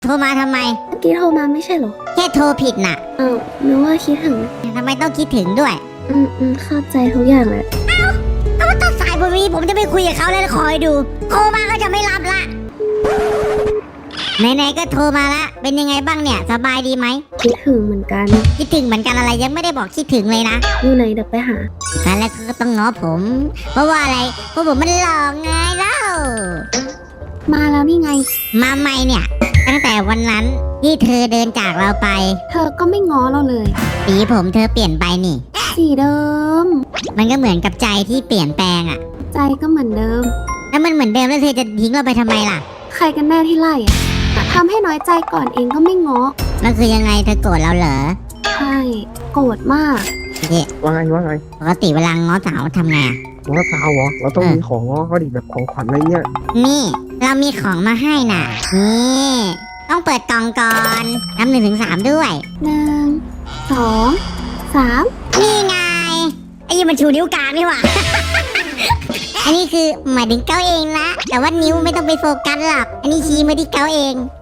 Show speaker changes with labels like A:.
A: โทรมาทำไม
B: เมื่อกี้โทรมาไม่ใช่เหรอ
A: แค่โทรผิดน่ะ
B: นึกว่าคิดถึง
A: ทำไมต้องคิดถึงด้วย
B: เข้าใจทุกอย่างแหละ
A: ถ้าว่าตัดสายผมนี้ผมจะไม่คุยกับเขาแล้วคอยดูโทรมาก็จะไม่รับละไหนๆก็โทรมาละเป็นยังไงบ้างเนี่ยสบายดีไหม
B: คิดถึงเหมือนกัน
A: คิดถึงเหมือนกันอะไรยังไม่ได้บอกคิดถึงเลยนะ
B: อยู่ไหนเดี๋ยวไปหา
A: แล้วก็ต้องง้อผม เพราะว่าอะไรเพราะผมมันหล่อไงเล่า
B: มาแล้วนี่ไง
A: มาใหม่เนี่ยตั้งแต่วันนั้นที่เธอเดินจากเราไป
B: เธอก็ไม่ง้อเราเลย
A: สีผมเธอเปลี่ยนไปนี่
B: สีเดิม
A: มันก็เหมือนกับใจที่เปลี่ยนแปลงอะ
B: ใจก็เหมือนเดิม
A: แล้วมันเหมือนเดิมแล้วเธอจะทิ้งเราไปทำไมล่ะ
B: ใครกันแน่ที่ไล่อะทำให้น้อยใจก่อนเองก็ไม่ง้อ
A: แล้วคือยังไงเธอโกรธเราเหรอ
B: ใช่โกรธมาก
A: เนี่ย
C: ว่าไง
A: ปกติเวลาง้อสาวทำไงอะ
C: ง้อสาวเหรอเราต้องมีของง้อเขาดิแบบของขวัญอะไรเงี้ย
A: นี่เรามีของมาให้น่ะนี่ต้องเปิดกล่องก่อนนับ1 ถึง 3ด้วย
B: 1 2 3
A: นี่ไงไอ้ยี่มันชูนิ้วกลางนี่หว่า อันนี้คือหมายถึงเก้าเองนะแต่ว่านิ้วไม่ต้องไปโฟกัสหรอกอันนี้ชี้มาที่เก้าเอง